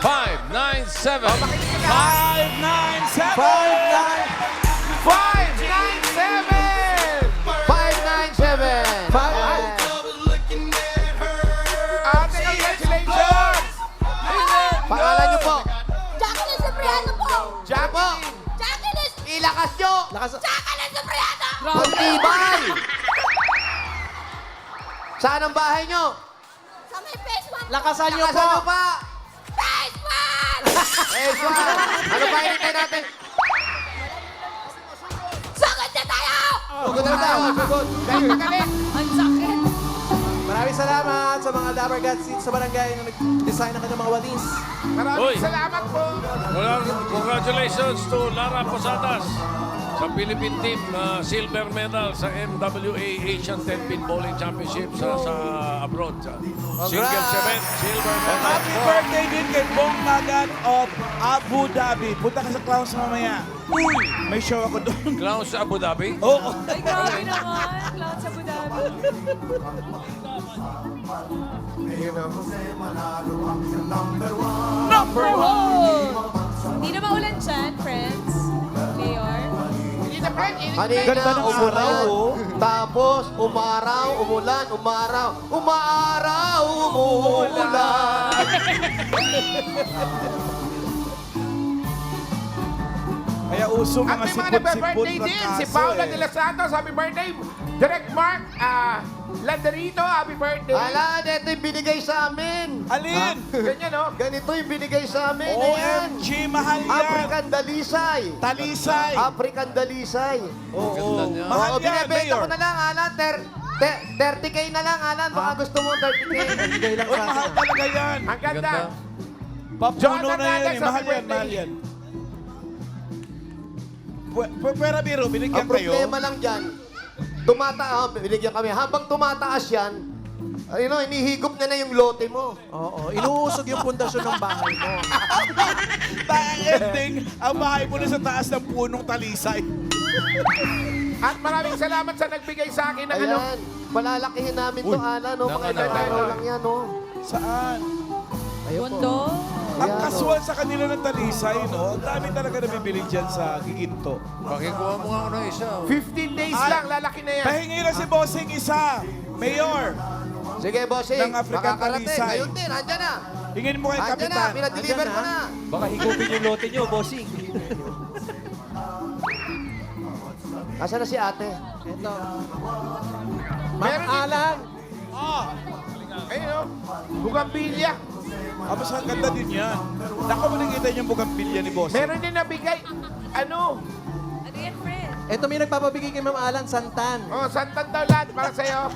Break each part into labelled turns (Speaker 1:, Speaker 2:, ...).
Speaker 1: 597.
Speaker 2: 597!
Speaker 3: 597!
Speaker 2: 597!
Speaker 4: Ate, congratulations!
Speaker 3: Pangalan niyo po.
Speaker 5: Jacqueline Cipriano po!
Speaker 4: Jackie!
Speaker 5: Jacqueline!
Speaker 3: Ilakas niyo.
Speaker 5: Jacqueline Cipriano!
Speaker 3: Pagtibay. Saan ang bahay niyo?
Speaker 5: Sa may phase 1
Speaker 2: Lakasan niyo
Speaker 3: Lakasan niyo
Speaker 2: po!
Speaker 3: pa.
Speaker 5: Phase 1!
Speaker 3: Eh, Swan. Ano ba hinintay natin?
Speaker 5: Sugod na tayo!
Speaker 3: Sugod na tayo. Sugod.
Speaker 4: Galing magaling!
Speaker 5: Ang sakit!
Speaker 2: Maraming salamat sa mga Dapper Gods dito sa barangay na nag-design ng kanilang mga walis.
Speaker 4: Maraming
Speaker 1: Uy.
Speaker 4: salamat po!
Speaker 1: Congratulations to Lara Posadas sa Philippine team na silver medal sa MWA Asian 10-pin Bowling Championship sa abroad. Singles event, silver medal.
Speaker 6: Happy birthday din kay Bong Magan of Abu Dhabi. Punta ka sa Clowns mamaya. Uy, may show ako doon.
Speaker 1: Clowns sa Abu Dhabi.
Speaker 6: Oo.
Speaker 7: Ay, grabe naman. Cloud sa Abu Dhabi.
Speaker 6: Number one!
Speaker 7: Hindi na maulan dyan, friends. Mayor.
Speaker 4: Hindi na, friend!
Speaker 3: Kanina,
Speaker 6: Ganda ng
Speaker 3: umulan.
Speaker 6: araw, oh.
Speaker 3: Tapos, umaraw, umulan, umaraw. Umaaraw, umuulan.
Speaker 6: Kaya uso
Speaker 4: At
Speaker 6: mga
Speaker 4: may mga
Speaker 6: sipot-sipot
Speaker 4: nagbe-birthday
Speaker 6: na
Speaker 4: din. Si
Speaker 6: kaso
Speaker 4: Paula
Speaker 6: eh.
Speaker 4: de los Santos, happy birthday. Direct Mark Landerito, happy birthday.
Speaker 3: Ala, ito yung binigay sa amin.
Speaker 6: Alin?
Speaker 4: Ganyan, no?
Speaker 3: Ganito yung binigay sa amin. Ayan.
Speaker 6: OMG, mahal yan.
Speaker 3: African Dalisay.
Speaker 6: Talisay.
Speaker 3: African Dalisay.
Speaker 6: Oo.
Speaker 1: niya.
Speaker 6: Mahal
Speaker 3: Oo,
Speaker 6: yan,
Speaker 3: binibenta
Speaker 6: Mayor.
Speaker 3: ko na lang, Alan. 30K na lang, Alan. Baka gusto mo 30K.
Speaker 2: Bigay lang
Speaker 6: Uy,
Speaker 2: sa
Speaker 6: mahal
Speaker 2: akin.
Speaker 6: talaga yan.
Speaker 4: Ang ganda.
Speaker 6: Papuno
Speaker 4: Jonathan
Speaker 6: na yan
Speaker 4: Alex,
Speaker 6: eh. Mahal
Speaker 4: happy
Speaker 6: yan,
Speaker 4: birthday.
Speaker 6: mahal yan. Pwera biro, binigyan
Speaker 3: Ang
Speaker 6: kayo.
Speaker 3: problema lang dyan, binigyan kami. Habang tumataas yan, inihigop na yung lote mo.
Speaker 2: Oo, inuusog yung pundasyon ng bahay mo.
Speaker 6: Ang ending, ang bahay mo na sa taas ng punong talisay.
Speaker 4: At maraming salamat sa nagbigay sa akin ng ano.
Speaker 3: Ayan, palalakihin namin to, Alan. No? Mga ilang
Speaker 1: Nakakatawa.
Speaker 3: araw lang yan, no?
Speaker 6: Saan?
Speaker 7: Bondo.
Speaker 6: Ang
Speaker 3: Ayan,
Speaker 6: kasual sa kanila ng talisay, no? Ang dami talaga nabibili dyan sa Giginto.
Speaker 1: Pakikuha mo nga ako ng isa.
Speaker 4: 15 days
Speaker 6: Ay.
Speaker 4: lang, lalaki na yan.
Speaker 6: Pahingi na si Bossing isa. Mayor,
Speaker 3: Sige, bossing.
Speaker 6: Ng African
Speaker 3: Makakarating.
Speaker 6: Talisay.
Speaker 3: Ngayon din, andyan na.
Speaker 6: hingin mo kay
Speaker 3: Andyan na,
Speaker 6: Kapitan.
Speaker 3: pinadeliver ko na.
Speaker 2: Baka higupin yung lote nyo, bossing.
Speaker 3: Nasaan na si ate?
Speaker 2: Ito. Ma'am
Speaker 4: Meron din-
Speaker 2: Alan.
Speaker 4: Ayun, no? Bugambilya.
Speaker 6: Tapos ang ganda din yan. Naku mo nakita niyo yung bugambilya ni Bossing.
Speaker 4: Meron din nabigay. Ano?
Speaker 7: Ano yan, friend?
Speaker 2: Ito may nagpapabigay kay Ma'am Alan, santan.
Speaker 4: Oh, santan daw lahat para sa'yo.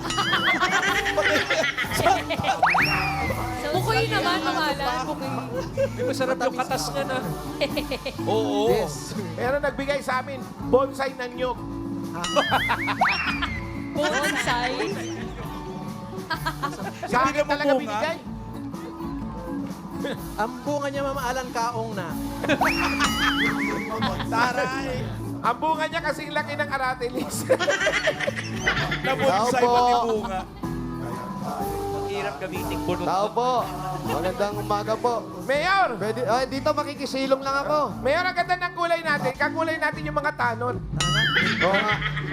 Speaker 7: Bukoy naman, pangalan.
Speaker 2: Di masarap yung katas niya na.
Speaker 6: Oo.
Speaker 2: Yes.
Speaker 4: Meron nagbigay sa amin, bonsai ng nyog.
Speaker 7: Bonsai.
Speaker 4: Sa
Speaker 6: Hindi
Speaker 4: akin
Speaker 6: na
Speaker 4: talaga
Speaker 6: mabunga.
Speaker 4: binigay.
Speaker 2: Ang bunga niya, Ma'am Alan, kaong na.
Speaker 6: Taray.
Speaker 4: Ang bunga niya kasing laki ng aratilis.
Speaker 6: Nabonsay
Speaker 3: Tao po.
Speaker 6: pati bunga.
Speaker 3: Tao po. Magandang umaga po.
Speaker 4: Mayor!
Speaker 3: Pwede, dito makikisilong lang ako.
Speaker 4: Mayor, ang ganda ng kulay natin. Kakulay natin yung mga tanod.
Speaker 3: Oo nga.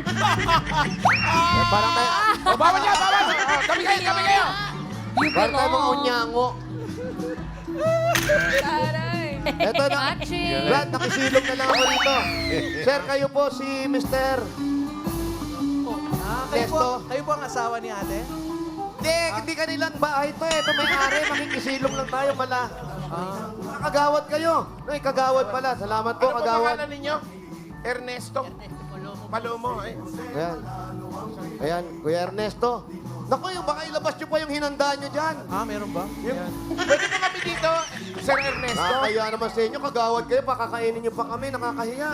Speaker 3: Parang tayo,
Speaker 4: O, bawal niya, bawal! O, kami kayo, kami kayo!
Speaker 7: You
Speaker 3: parang tayo mga
Speaker 7: belong.
Speaker 3: unyango.
Speaker 7: Taray.
Speaker 3: Eto na.
Speaker 7: Matching.
Speaker 3: Brad, nakisilong na lang ako dito. Sir, kayo po si Mr.
Speaker 2: Kayo po ang asawa ni ate?
Speaker 3: Hindi kanilang bahay to eh. Ito may-ari, makikisilong lang tayo pala. Kagawad kayo. Ay, kagawad pala. Salamat po,
Speaker 4: Ano po
Speaker 3: kagawad.
Speaker 4: pangalan ninyo? Ernesto. Palomo. Eh.
Speaker 3: Ayan. Ayan, Kuya Ernesto. Naku, baka ilabas nyo pa yung hinanda nyo dyan.
Speaker 2: Meron ba? Ayan.
Speaker 4: Pwede po kami dito, Sir Ernesto.
Speaker 3: Nakakaya naman sa inyo, kagawad kayo, pakakainin nyo pa kami, nakakahiya.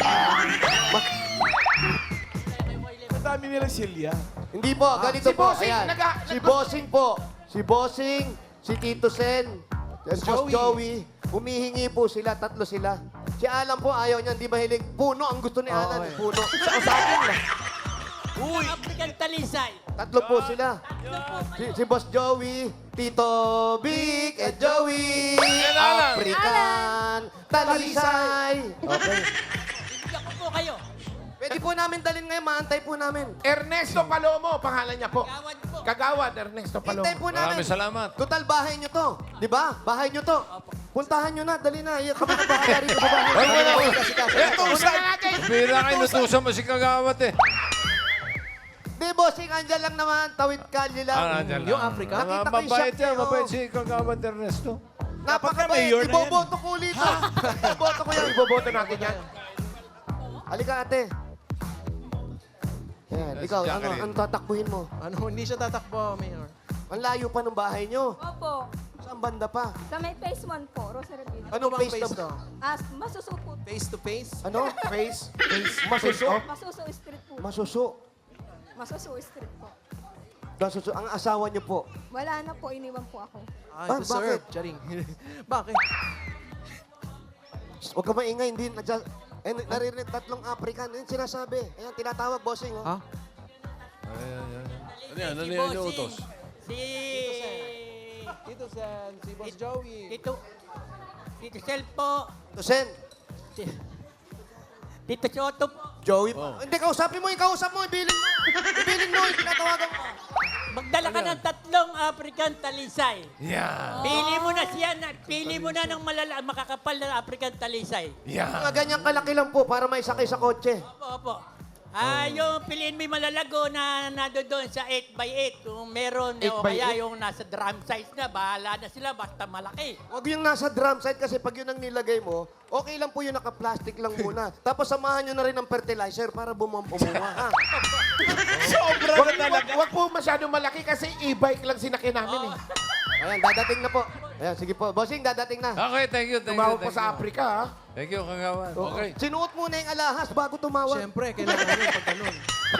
Speaker 6: Ang dami nilang silya.
Speaker 3: Hindi po, ganito
Speaker 4: si
Speaker 3: po.
Speaker 4: Bossing,
Speaker 3: Ayan. Si Bossing po. Si Bossing, si Tito Sen, si Boss Joey. Humihingi po sila, tatlo sila. Si Alan po, ayaw niya, hindi mahilig. Puno, ang gusto ni Alan,
Speaker 2: eh.
Speaker 3: puno. Sa akin lang.
Speaker 6: Uy!
Speaker 3: Tatlo po sila. Si Boss Joey, Tito Vic, at Joey.
Speaker 1: Alan.
Speaker 3: Talisay. Okay.
Speaker 5: Bibigyan ko po kayo.
Speaker 3: Pwede po namin dalhin ngayon, maantay po namin.
Speaker 4: Ernesto Palomo, pangalan niya po.
Speaker 5: Gawad po.
Speaker 4: Kagawad, Ernesto Palomo.
Speaker 3: Hintay po namin.
Speaker 1: Maraming salamat.
Speaker 3: Total, bahay nyo to. Di ba? Bahay nyo to. Puntahan nyo na, dali na. Kami na bahala rito sa bahay.
Speaker 6: Ito,
Speaker 4: Una na natin.
Speaker 1: Bira kayo, natusan mo si Kagawad eh.
Speaker 3: Di, bossing, andyan lang naman. Tawid kalye lang.
Speaker 1: Nandiyan
Speaker 2: Yung
Speaker 1: lang.
Speaker 2: Africa?
Speaker 3: Nakita ko yung
Speaker 1: Mabait
Speaker 3: shot niya,
Speaker 1: yan, mabait
Speaker 3: oh.
Speaker 1: si Kagawad Ernesto.
Speaker 3: Napakabait.
Speaker 6: mayor na yan.
Speaker 3: Iboboto ko ulit. Iboboto ko yan.
Speaker 4: Iboboto natin yan.
Speaker 3: Halika, ate. Yan, ikaw,
Speaker 1: Jacqueline.
Speaker 3: ano tatakbuhin mo?
Speaker 2: Ano, hindi siya tatakbo, Mayor.
Speaker 3: Ang layo pa ng bahay nyo.
Speaker 5: Opo.
Speaker 3: Saan banda pa?
Speaker 5: Sa may phase 1 po, Rosary Villa.
Speaker 3: Anong
Speaker 2: Bang
Speaker 3: face
Speaker 2: face
Speaker 3: to?
Speaker 2: to?
Speaker 5: Masusupo.
Speaker 2: Face to face?
Speaker 3: Ano?
Speaker 4: Face.
Speaker 3: Masuso?
Speaker 5: Masuso Street po.
Speaker 3: Masuso.
Speaker 5: Masuso Street po.
Speaker 3: Masuso. Ang asawa nyo po.
Speaker 5: Wala na po, iniwan po ako.
Speaker 2: Ah,
Speaker 3: Ah,
Speaker 2: to serve.
Speaker 3: bakit?
Speaker 2: Charing. Bakit?
Speaker 3: Huwag ka maingay, hindi. Naririnig tatlong African. Yan sinasabi. Ayan, tinatawag, bossing. Oh.
Speaker 2: Ha?
Speaker 1: Ano yan? Ano yan yung utos?
Speaker 2: Tito Sen, si Boss Joey.
Speaker 8: Tito Sel po.
Speaker 3: Tusen.
Speaker 8: Tito Soto po.
Speaker 3: Joey. Hindi, kausapin mo. Ikausap mo. Ibilin mo. Ibilin mo. Tinatawagan mo.
Speaker 8: Magdala ka ng 3 African talisay.
Speaker 1: Yeah.
Speaker 8: Pili mo na ng makakapal na African talisay.
Speaker 3: Mga ganyang kalaki lang po para may sakay sa kotse.
Speaker 8: Opo. Yung piliin mo yung malalago na nado doon sa 8x8. Kung meron,
Speaker 3: 8
Speaker 8: o
Speaker 3: by
Speaker 8: kaya
Speaker 3: 8?
Speaker 8: yung nasa drum size na, bahala na sila, basta malaki.
Speaker 3: Huwag yung nasa drum site kasi pag yun ang nilagay mo, okay lang po yung naka-plastic lang muna. Tapos samahan nyo na rin ng fertilizer para bumumunga. Ha?
Speaker 6: Sobra na talaga.
Speaker 4: Wag po masyadong malaki kasi e-bike lang sinakyan namin eh.
Speaker 3: Ayan, dadating na po. Ayan, sige po. Bossing, dadating na.
Speaker 1: Okay, thank you, thank you.
Speaker 4: Tumawag po
Speaker 1: thank
Speaker 4: sa
Speaker 1: you.
Speaker 4: Africa ha.
Speaker 1: Thank you, Kagawad. Okay.
Speaker 3: Sinuot muna yung alahas bago tumawag.
Speaker 2: Siyempre, kailangan yun pag ganun.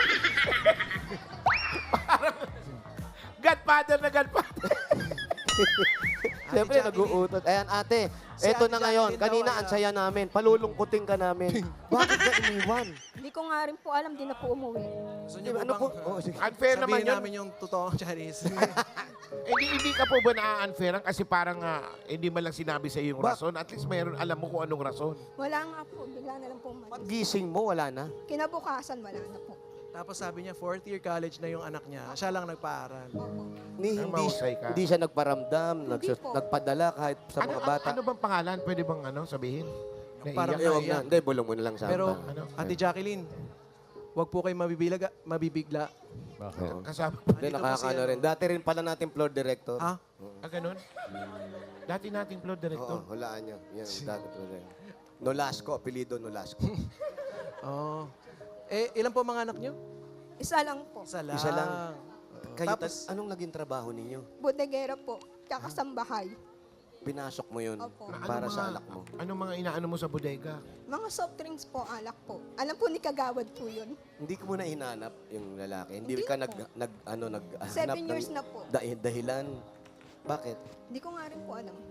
Speaker 4: Godfather na Godfather.
Speaker 3: Siyempre,
Speaker 2: Ate
Speaker 3: nag-uutot. Ayan, ate.
Speaker 2: Si
Speaker 3: Eto
Speaker 2: Ate
Speaker 3: na ngayon.
Speaker 2: Jacqueline
Speaker 3: Kanina,
Speaker 2: daw ay,
Speaker 3: ang saya namin. Palulungkutin ka namin. Bakit ka iniwan?
Speaker 5: Hindi ko nga rin po alam, di na po umuwi.
Speaker 2: Gusto niyo
Speaker 3: Ano po?
Speaker 2: bang
Speaker 3: Oh, sige.
Speaker 4: Unfair naman
Speaker 2: sabihin
Speaker 4: yun.
Speaker 2: namin yung totoong Chinese?
Speaker 4: Hindi ka po ba na-unfairan kasi parang hindi man lang sinabi sa iyo yung
Speaker 3: Ba-
Speaker 4: rason. At least mayroon alam mo kung anong rason.
Speaker 5: Wala nga po, bigla na lang po umalis.
Speaker 3: Paggising mo, wala na.
Speaker 5: Kinabukasan, wala na po.
Speaker 2: Tapos sabi niya, 4th year college na yung anak niya. Siya lang nagpaaral.
Speaker 3: Hindi,
Speaker 4: mahusay ka.
Speaker 3: hindi siya nagparamdam,
Speaker 5: po.
Speaker 3: nagpadala kahit sa mga bata.
Speaker 4: Ano bang pangalan? Pwede bang sabihin?
Speaker 2: Parang
Speaker 4: Naiiyak?
Speaker 3: Huwag na. Hindi, bulong mo na lang sa
Speaker 2: Pero,
Speaker 3: amin.
Speaker 4: Ano?
Speaker 2: Ate Jacqueline, wag po kayo mabibigla.
Speaker 1: Bakit?
Speaker 4: Kasama.
Speaker 3: Hindi,
Speaker 2: Andito po
Speaker 3: nakakaano
Speaker 2: si
Speaker 3: rin. Dati rin pala natin floor director.
Speaker 2: Ha?
Speaker 4: Ganun? Dati nating plot director.
Speaker 3: Oo, hulaan niyo. Yan, dati floor director. Nolasco, apelido Nolasco.
Speaker 2: Oo. Ilan po mga anak niyo?
Speaker 5: Isa lang po.
Speaker 2: Isa lang.
Speaker 3: Isa lang. Kayo,
Speaker 2: Tapos,
Speaker 3: anong naging trabaho ninyo?
Speaker 5: Bodegera po, kakasambahay.
Speaker 3: Pinasok mo yun
Speaker 5: Opo.
Speaker 3: para sa alak mo.
Speaker 4: Ano mga inaano mo sa bodega?
Speaker 5: Mga soft drinks po, alak po. Alam po ni Kagawad po yun.
Speaker 3: Hindi ko muna hinanap yung lalaki. Hindi
Speaker 5: Hindi
Speaker 3: ka
Speaker 5: po.
Speaker 3: naghanap
Speaker 5: 7 years na po.
Speaker 3: dahilan. Bakit?
Speaker 5: Hindi ko nga rin po alam.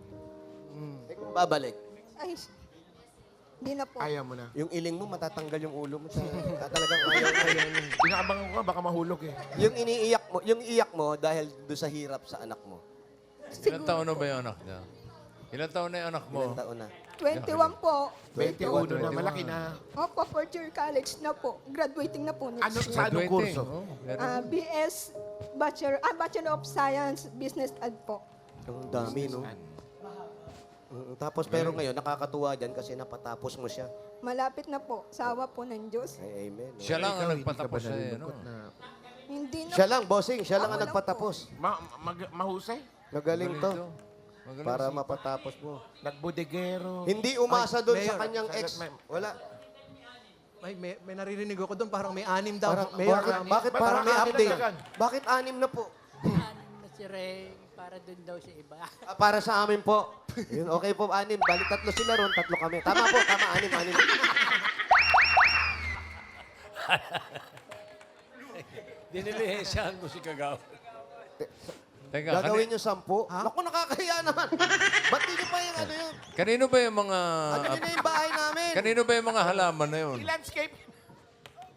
Speaker 3: Eh, kung babalik,
Speaker 5: Ay, hindi na po.
Speaker 4: Ayaw mo na.
Speaker 3: yung iling mo, matatanggal yung ulo mo. Talagang ayaw mo.
Speaker 4: Inaabangan ko nga, baka mahulog eh.
Speaker 3: Yung iyak mo dahil doon sa hirap sa anak mo.
Speaker 1: Ilan taon na ba yung anak niya? Ilan taon na yung anak mo?
Speaker 3: Ilang taon na?
Speaker 5: 21 po.
Speaker 4: 21 na, malaki na.
Speaker 5: Opo, 4th year college na po. Graduating na po next
Speaker 4: Ano,
Speaker 5: year.
Speaker 4: sa anong
Speaker 1: Graduating.
Speaker 4: kurso?
Speaker 1: Oh, meron.
Speaker 5: BS, Bachelor of Science, Business Ed po.
Speaker 3: Ang dami, no? Tapos pero ngayon, nakakatuwa dyan kasi napatapos mo siya.
Speaker 5: Malapit na po. Sawa po ng Diyos.
Speaker 3: Ay, amen. no?
Speaker 1: Siya lang ang
Speaker 4: Ikaw, hindi ka ba
Speaker 1: nagpatapos sa'yo, no?
Speaker 4: nalulungkot na
Speaker 5: Hindi na
Speaker 3: Siya lang, bossing. Siya lang ang
Speaker 5: Ako lang
Speaker 3: nagpatapos.
Speaker 4: mahusay?
Speaker 3: Magaling to.
Speaker 1: Magaling
Speaker 3: Para
Speaker 1: si-
Speaker 3: mapatapos mo.
Speaker 4: Nagbodegero.
Speaker 3: Hindi umasa doon sa
Speaker 2: Mayor,
Speaker 3: kanyang ex. Wala.
Speaker 2: may naririnig ako doon, parang may 6 daw.
Speaker 3: Parang,
Speaker 2: Mayor,
Speaker 3: bakit parang may
Speaker 4: Parang
Speaker 3: update?
Speaker 4: anim
Speaker 3: Bakit 6 na po?
Speaker 8: Ano na si Ray, para dun daw sa iba.
Speaker 3: Para sa amin po. Yun, okay po, 6. Balik 3 sila ron, 3 kami. Tama po, tama, 6.
Speaker 1: Dinilihensyahan mo si Kagawad. Teka,
Speaker 3: Gagawin nyo 10? Naku, nakakahiya naman. Ba't di nyo pa yung ano yun?
Speaker 1: kanino ba yung mga...
Speaker 3: Ano yun na yung bahay namin?
Speaker 1: Kanino ba yung mga halaman na yun?
Speaker 4: Landscape.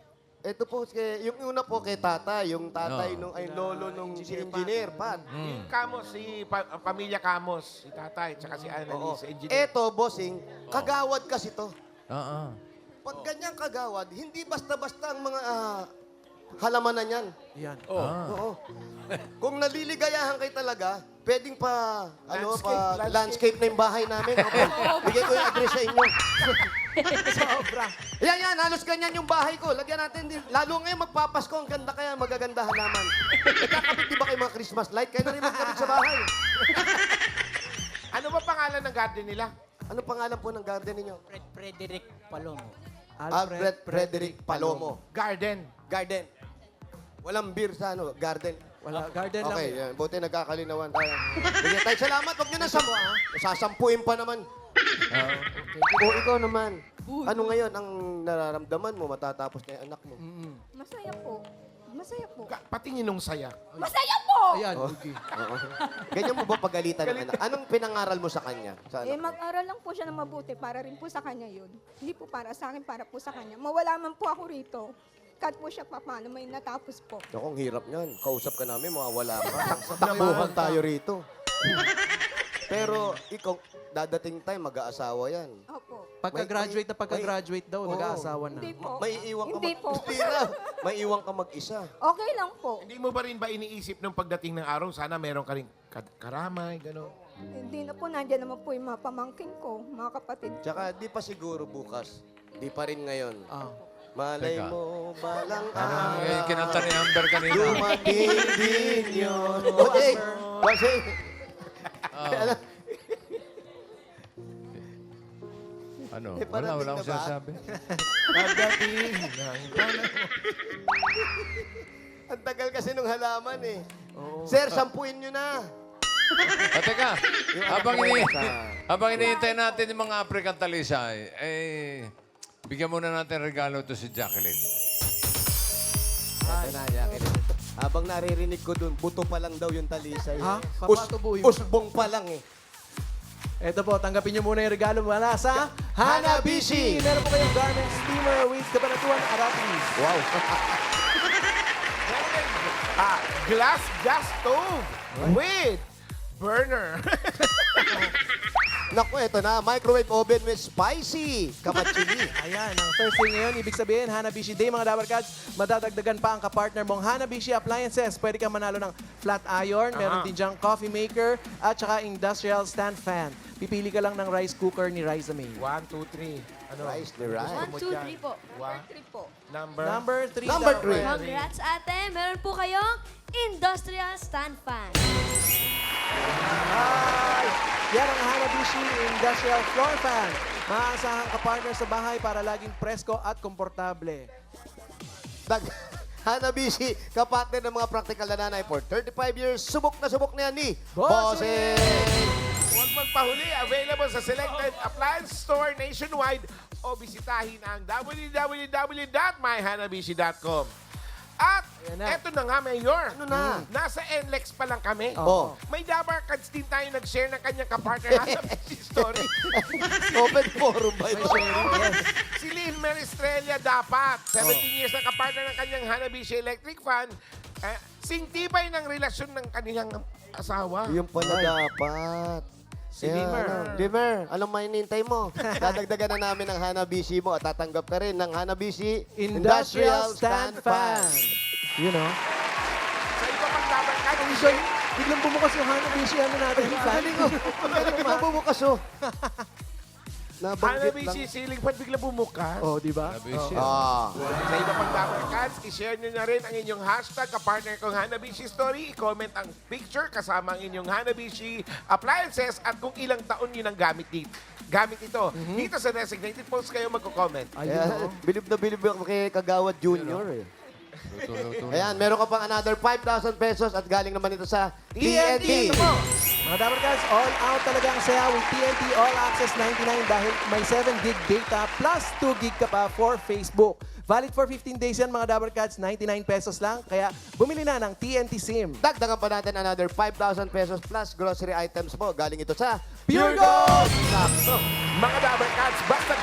Speaker 3: Ito po, yung una po kay tatay, yung tatay nung, ay lolo nung si engineer, Pat.
Speaker 4: Yung Kamos, pamilya Kamos, si tatay, tsaka si
Speaker 3: Oo.
Speaker 4: Annalise, engineer.
Speaker 3: Eto, bossing, kagawad kasi to.
Speaker 1: Oo.
Speaker 3: Pag ganyang kagawad, hindi basta-basta ang mga halamanan yan.
Speaker 2: Yan.
Speaker 3: Oo. Kung naliligayahan kayo talaga, pwedeng
Speaker 4: Landscape.
Speaker 3: landscape na yung bahay namin. Opo. Bigay ko yung address sa inyo.
Speaker 2: Sobra.
Speaker 3: Yan, halos ganyan yung bahay ko. Lagyan natin din. Lalo ngayon magpapasko, ang ganda kaya magaganda halaman. Nagkakabit di ba kayo mga Christmas light? Kaya na rin magkabit sa bahay.
Speaker 4: Ano ba pangalan ng garden nila?
Speaker 3: Ano pangalan po ng garden ninyo?
Speaker 8: Frederick Palomo.
Speaker 3: Alfred Frederick Palomo.
Speaker 4: Garden.
Speaker 3: Garden. Walang beer sa garden.
Speaker 2: Wala, garden lang.
Speaker 3: Okay, yan. Buti nagkakalinawan tayo. Bigyan tayo. Salamat. Huwag nyo na sasampuin pa naman. O ikaw naman. Ano ngayon ang nararamdaman mo matatapos na yung anak mo?
Speaker 5: Masaya po. Masaya po.
Speaker 4: Patingin nung saya.
Speaker 5: Masaya po!
Speaker 2: Ayan.
Speaker 3: Oo. Ganyan mo ba pagalitan ng anak? Anong pinangaral mo sa kanya? Sa
Speaker 5: Eh,
Speaker 3: anak?
Speaker 5: mag-aral lang po siya ng mabuti para rin po sa kanya yun. Hindi po para sa akin, para po sa kanya. Mawala man po ako rito. Kat po siya pa, paano may natapos po.
Speaker 3: Ako, ang hirap niyan. Kausap ka namin, mawawala ka. Takbuhan tayo rito. Pero ikaw, dadating time, mag-aasawa yan.
Speaker 5: Opo.
Speaker 2: Pagka-graduate daw,
Speaker 3: Oo.
Speaker 2: mag-aasawa na.
Speaker 5: Hindi po.
Speaker 3: May iwan ka
Speaker 5: Hindi po.
Speaker 3: Hindi na. May iwan ka mag-isa.
Speaker 5: Okay lang po.
Speaker 4: Hindi mo ba rin ba iniisip nung pagdating ng araw, sana meron ka rin karamay, gano'n?
Speaker 5: Hindi na po, nandiyan naman po yung mga pamangkin ko, mga kapatid.
Speaker 3: Tsaka, di pa siguro bukas. Di pa rin ngayon.
Speaker 2: Ah.
Speaker 3: Malay
Speaker 1: Teka.
Speaker 3: mo, balang
Speaker 1: Yung kinanta ni Amber kanina.
Speaker 3: dumating din yun. Okay. Kasi,
Speaker 1: Ano?
Speaker 3: Eh,
Speaker 1: Wala
Speaker 3: parating
Speaker 1: akong
Speaker 3: na ba?
Speaker 1: sinasabi.
Speaker 4: Pagdating ng
Speaker 3: ang tagal kasi nung halaman eh. Sir, sampuin nyo na.
Speaker 1: Teka, habang iniintay natin yung mga African talisay, bigyan muna natin regalo to si Jacqueline.
Speaker 3: Ito na, Jacqueline. Habang naririnig ko dun, buto pa lang daw yung talisay.
Speaker 2: Ha? Papatubuhin mo.
Speaker 3: Usbong pa lang eh.
Speaker 2: Ito po, tanggapin niyo muna yung regalo mula sa Hanabishi. Meron po kayong garment steamer with kabanatuan Aratis.
Speaker 3: Wow.
Speaker 4: glass gas stove with burner.
Speaker 3: Naku, ito na. Microwave oven with spicy kamachili.
Speaker 2: Ayan, ang Thursday ngayon, ibig sabihin, Hanabishi Day, mga Dabarkads. Madadagdagan pa ang kapartner mong Hanabishi Appliances. Pwede kang manalo ng flat iron, meron din diyang coffee maker, at saka industrial stand fan. Pipili ka lang ng rice cooker ni Riza May.
Speaker 4: 1, 2, 3. Ano?
Speaker 3: Rice ni rice.
Speaker 7: 1, 2, 3 po.
Speaker 4: One.
Speaker 5: Trip po.
Speaker 2: Number 3.
Speaker 3: Number 3.
Speaker 7: Congrats, ate. Meron po kayong industrial stand fan.
Speaker 2: Hi! Yan ang Hanabishi Industrial Floor Fan. Maaasahan ka partner sa bahay para laging presko at komportable.
Speaker 3: Hanabishi, kapatid ng mga practical na nanay for 35 years. Subok na yan ni
Speaker 2: Bossing!
Speaker 4: Huwag magpahuli. Available sa selected appliance store nationwide o bisitahin ang www.myhanabishi.com. At
Speaker 2: Ayan na.
Speaker 4: eto na nga, Mayor.
Speaker 3: Ano na?
Speaker 4: Nasa NLEX pa lang kami.
Speaker 3: Oh.
Speaker 4: May Dabarkads din tayo nag-share ng kanyang kapartner Hanabishi story.
Speaker 3: Open forum ba ito?
Speaker 4: Si Lynn Meristrella dapat. 17 years na kapartner ng kanyang Hanabishi electric fan. Singtibay ng relasyon ng kanilang asawa.
Speaker 3: Yung pala dapat.
Speaker 4: Si Limer.
Speaker 3: Limer, anong mainintay mo? Dadagdagan na namin ang Hanabishi mo at tatanggap ka rin ng Hanabishi
Speaker 2: Industrial Stand Fan. You know?
Speaker 4: Sa iba pang Dabarkads,
Speaker 2: Biglang, biglang bumukas yung Hanabishi ano natin.
Speaker 3: Galing ko. Galing ko bumukas oh. Nabanggit lang.
Speaker 4: Hanabishi ceiling fan bigla bumukas.
Speaker 2: Oh, di ba?
Speaker 1: Hanabishi.
Speaker 4: Sa iba pang Dabarkads, i-share nyo na rin ang inyong hashtag kapartner kong Hanabishi Story. I-comment ang picture kasama ang inyong Hanabishi appliances at kung ilang taon yun ang gamit ito. Dito sa designated post kayo magko-comment.
Speaker 3: Kaya, bilib na bilib ako kay Kagawad Junior eh. Ayan, meron ka pang another 5,000 pesos at galing naman ito sa TNT.
Speaker 2: Ito po. Mga Dabarkads, all out talaga ang saya with TNT All Access 99 dahil may 7 gig data plus 2 gig ka pa for Facebook. Valid for 15 days yan mga Dabarkads, 99 pesos lang. Kaya bumili na ng TNT SIM.
Speaker 3: Dagdagan pa natin another 5,000 pesos plus grocery items mo. Galing ito sa
Speaker 2: Pure Gold!
Speaker 3: Sakto.
Speaker 4: Mga Dabarkads, basta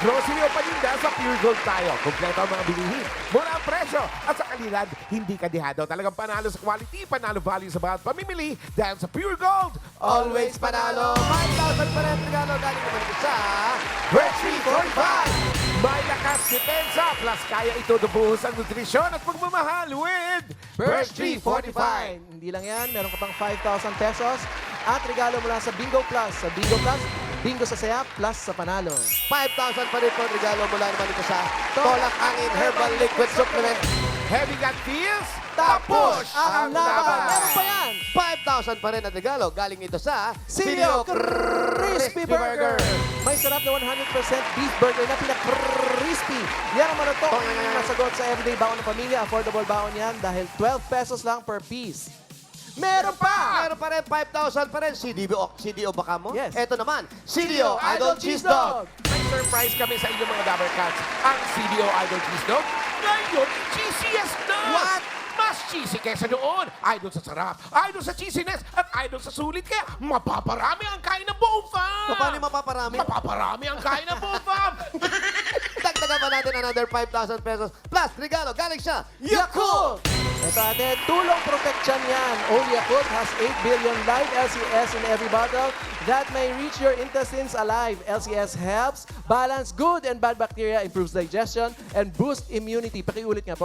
Speaker 4: grocery o paninda sa Pure Gold tayo. Kompleto ang mga bilihin. Mura ang presyo at sa kalidad, hindi kadihado. Talagang panalo sa quality, panalo value sa bawat pamimili dahil sa Pure Gold.
Speaker 3: Always panalo. 5,000 pa rin regalo galing naman ito sa Birchtree 45.
Speaker 4: May lakas depensa, plus kaya ito nabuhos ang nutrisyon at pagmamahal with
Speaker 3: Birchtree 45.
Speaker 2: Hindi lang yan, meron ka pang 5,000 pesos at regalo mula sa Bingo Plus. Sa Bingo Plus, bingo sa saya plus sa panalo.
Speaker 3: 5,000 pa rin po regalo mula naman ito sa Tolak Angin Herbal Liquid Supplement.
Speaker 4: Heavy Gun Feels,
Speaker 3: Tapos
Speaker 2: Ang laban, meron pa yan!
Speaker 3: 5,000 pa rin at regalo galing ito sa
Speaker 2: Silio Crispy Burger. May sarap na 100% beef burger na pinaka-crispy. Yan ang maratok ang nasagot sa everyday baon ng pamilya. Affordable baon yan dahil 12 pesos lang per piece. Meron pa!
Speaker 3: Meron pa rin 5,000 pa rin. CDO baka mo?
Speaker 2: Yes.
Speaker 3: Ito naman, CDO Idol Cheese Dog.
Speaker 4: May surprise kami sa inyong mga Dabber Cats. Ang CDO Idol Cheese Dog, ngayon, cheesiest na!
Speaker 3: What?
Speaker 4: Mas cheesy kesa noon. Idol sa sarap, idol sa cheesiness, at idol sa sulit. Kaya mapaparami ang kain ng buong fam!
Speaker 3: Paano mapaparami?
Speaker 4: Mapaparami ang kain ng buong fam!
Speaker 3: Dagdagan pa natin another 5,000 pesos. Plus, regalo galing siya,
Speaker 2: Yakult! Ito ate, tulong protection yan. Only Yakult has 8 billion live LCS in every bottle that may reach your intestines alive. LCS helps balance good and bad bacteria, improves digestion, and boost immunity. Pakiulit nga po.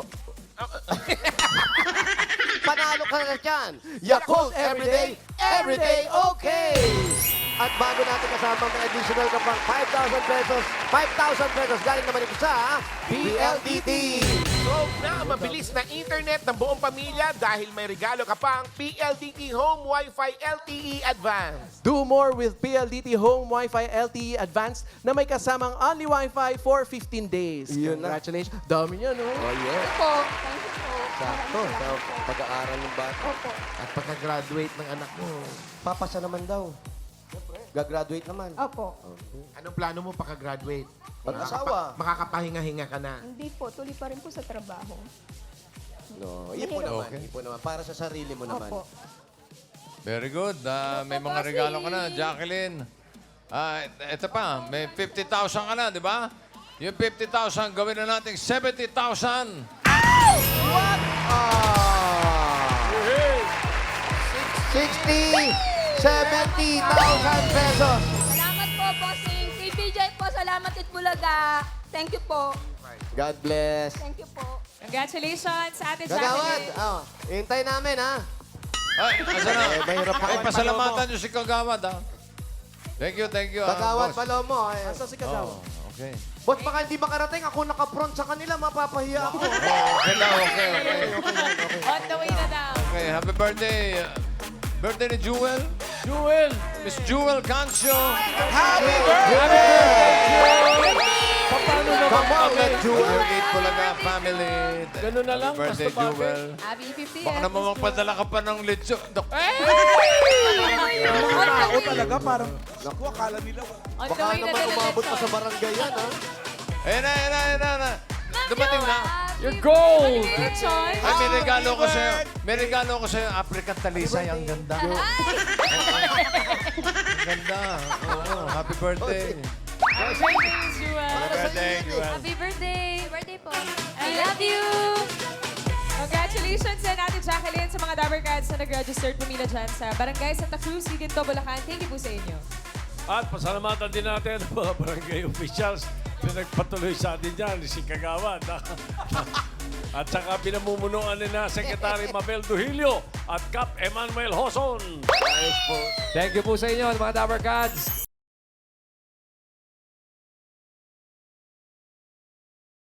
Speaker 3: Panalo ka na dyan. Yakult everyday, everyday okay. At bago natin kasama may additional ka pang 5,000 pesos, 5,000 pesos galing naman ito sa PLDT.
Speaker 4: So na mabilis na internet ng buong pamilya dahil may regalo ka pang PLDT Home Wi-Fi LTE Advanced.
Speaker 2: Do more with PLDT Home Wi-Fi LTE Advanced na may kasamang only Wi-Fi for 15 days.
Speaker 3: Yun na.
Speaker 2: Congratulations. Dami niya, no?
Speaker 3: Oh yeah.
Speaker 5: Po, thank you po.
Speaker 3: Sakto. Sa pag-aaral ng bata.
Speaker 5: Opo.
Speaker 4: At pagka-graduate ng anak mo,
Speaker 3: Papasa naman daw. Gagraduate naman.
Speaker 5: Opo.
Speaker 4: anong plano mo pagka-graduate?
Speaker 3: Pag-asawa.
Speaker 4: Makakapahinga-hinga ka na.
Speaker 5: Hindi po, tuloy pa rin po sa trabaho.
Speaker 3: No, ipon naman. Ipon naman. Para sa sarili mo naman.
Speaker 5: Opo.
Speaker 1: Very good. May mga regalo ka na, Jacqueline. Ito pa, may 50,000 ka na, di ba? Yung 50,000, gawin na natin 70,000.
Speaker 3: What? 70,000 pesos.
Speaker 5: Salamat po, bossing. Kay BJ po, salamat Itbulaga. Thank you po.
Speaker 3: God bless.
Speaker 5: Thank you po.
Speaker 7: Congratulations, Ate
Speaker 3: Gagawad.
Speaker 7: Jacqueline.
Speaker 3: Oh, hintay namin, ha?
Speaker 1: Ay, asa na?
Speaker 3: mahirap pa.
Speaker 1: Ay, pasalamatan nyo si Kagawad, ha? Thank you,
Speaker 3: Gagawad
Speaker 1: boss.
Speaker 3: Palomo.
Speaker 2: Asa si Kasawa?
Speaker 1: Okay.
Speaker 3: Boss, baka hindi makarating. Ako naka-front sa kanila. Mapapahiya ako.
Speaker 1: Okay daw, okay.
Speaker 7: On the way na daw.
Speaker 1: Okay, happy birthday. Birthday ni Jewel. Jewel! Miss Jewel Cancio.
Speaker 3: Happy birthday!
Speaker 1: Paano naman
Speaker 3: Come on,
Speaker 1: kami?
Speaker 3: Jewel.
Speaker 1: Jewel Bulaga family. Ganun na lang. Happy birthday, Jewel.
Speaker 7: Happy 50th.
Speaker 1: Baka naman magpadala ka pa ng lechon.
Speaker 6: Mga tao talaga, parang, naku, akala nila.
Speaker 7: On the
Speaker 3: Baka
Speaker 7: way na
Speaker 3: naman
Speaker 7: din
Speaker 3: umabot pa sa barangay yan, ha?
Speaker 1: Ayan na. Dumating na.
Speaker 7: Your gold! Lechon.
Speaker 1: Ay, may regalo ko sa'yo. May regalo ko sa'yo. African Talisay. Ang ganda. Ang ganda. Oo, happy birthday. Happy birthday, Jewel.
Speaker 7: Happy birthday! Birthday po. I love you! Congratulations sa natin, Jacqueline, sa mga Dabber Cats na nag-registered pumila dyan sa Barangay Santa Cruz, Liginto, Bulacan. Thank you po sa inyo.
Speaker 1: At pasalamatan din natin ang mga barangay officials na nagpatuloy sa atin dyan, si Kagawad. At saka pinamumunuan ni na Secretary Mabel Duhilio at Cap Emmanuel Hoson.
Speaker 9: Thank you po sa inyo, mga Dabber Cats.